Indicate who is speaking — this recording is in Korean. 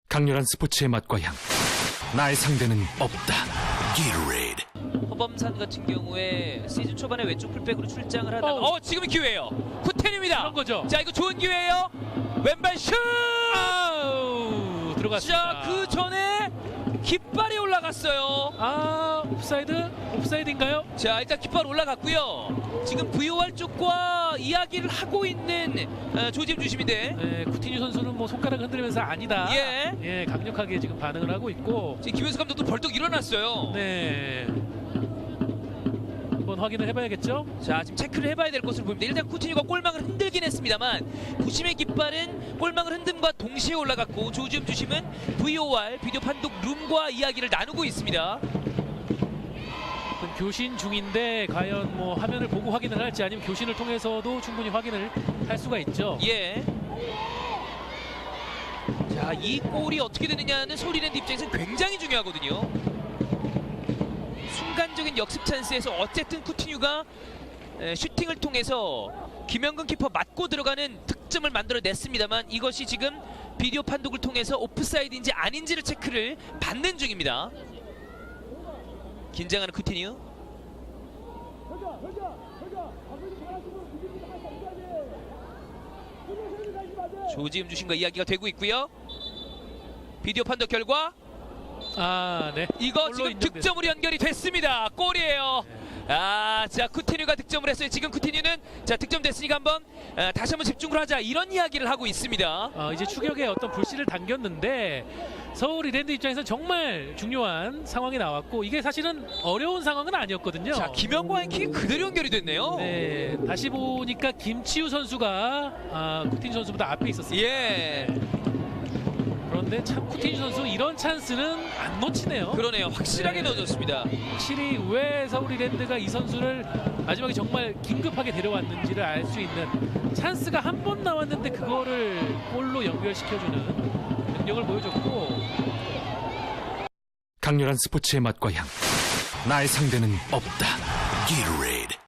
Speaker 1: 강렬한 스포츠의 맛과 향. 나의 상대는 없다. Gatorade.
Speaker 2: 허범산 같은 경우에 시즌 초반에 왼쪽 풀백으로 출장을 하다가 지금이 기회예요. 쿠텐입니다.
Speaker 3: 그런 거죠.
Speaker 2: 자, 이거 좋은 기회예요. 왼발 슛!
Speaker 3: 아우, 들어갔습니다.
Speaker 2: 자, 그 전에 깃발이 올라갔어요.
Speaker 3: 아, 옵사이드인가요?
Speaker 2: 자, 일단 깃발 올라갔고요. 지금 VOR 쪽과 이야기를 하고 있는 조지엠 주심인데
Speaker 3: 네, 쿠티뉴 선수는 뭐 손가락 흔들면서 아니다.
Speaker 2: 예.
Speaker 3: 강력하게 지금 반응을 하고 있고.
Speaker 2: 지금 김현수 감독도 벌떡 일어났어요.
Speaker 3: 네. 한번 확인을 해봐야겠죠?
Speaker 2: 자, 지금 체크를 해봐야 될 것으로 보입니다. 일단 쿠티뉴가 골망을 흔들긴 했습니다만 부심의 깃발은 골망을 흔듦과 동시에 올라갔고 조지엠 주심은 VOR 비디오 판독 룸과 이야기를 나누고 있습니다.
Speaker 3: 교신 중인데 과연 뭐 화면을 보고 확인을 할지 아니면 교신을 통해서도 충분히 확인을 할 수가 있죠.
Speaker 2: 예. 자, 이 골이 어떻게 되느냐는 소리랜드 입장에서는 굉장히 중요하거든요. 순간적인 역습 찬스에서 어쨌든 쿠티뉴가 슈팅을 통해서 김영근 키퍼 맞고 들어가는 득점을 만들어냈습니다만 이것이 지금 비디오 판독을 통해서 오프사이드인지 아닌지를 체크를 받는 중입니다. 긴장하는 쿠티뉴. 조지음 주신과 이야기가 되고 있고요. 비디오 판독 결과
Speaker 3: 네.
Speaker 2: 이거
Speaker 3: 골로
Speaker 2: 지금
Speaker 3: 인정됐습니다.
Speaker 2: 득점으로 연결이 됐습니다. 골이에요. 자, 쿠티뉴가 득점을 했어요. 지금 쿠티뉴는 자, 득점됐으니까 한번 다시 한번 집중을 하자 이런 이야기를 하고 있습니다.
Speaker 3: 이제 추격에 어떤 불씨를 당겼는데 서울 이랜드 입장에서 정말 중요한 상황이 나왔고 이게 사실은 어려운 상황은 아니었거든요.
Speaker 2: 자, 김영과의 킥이 그대로 연결이 됐네요.
Speaker 3: 네, 다시 보니까 김치우 선수가 쿠티뉴 선수보다 앞에 있었습니다.
Speaker 2: 예.
Speaker 3: 그런데 참 쿠티뉴 선수 이런 찬스는 안 놓치네요.
Speaker 2: 그러네요. 확실하게
Speaker 3: 네.
Speaker 2: 넣어줬습니다.
Speaker 3: 확실히 왜 서울 이랜드가 이 선수를 마지막에 정말 긴급하게 데려왔는지를 알 수 있는 찬스가 한 번 나왔는데 그거를 골로 연결시켜주는 능력을 보여줬고
Speaker 1: 강렬한 스포츠의 맛과 향. 나의 상대는 없다. Gatorade.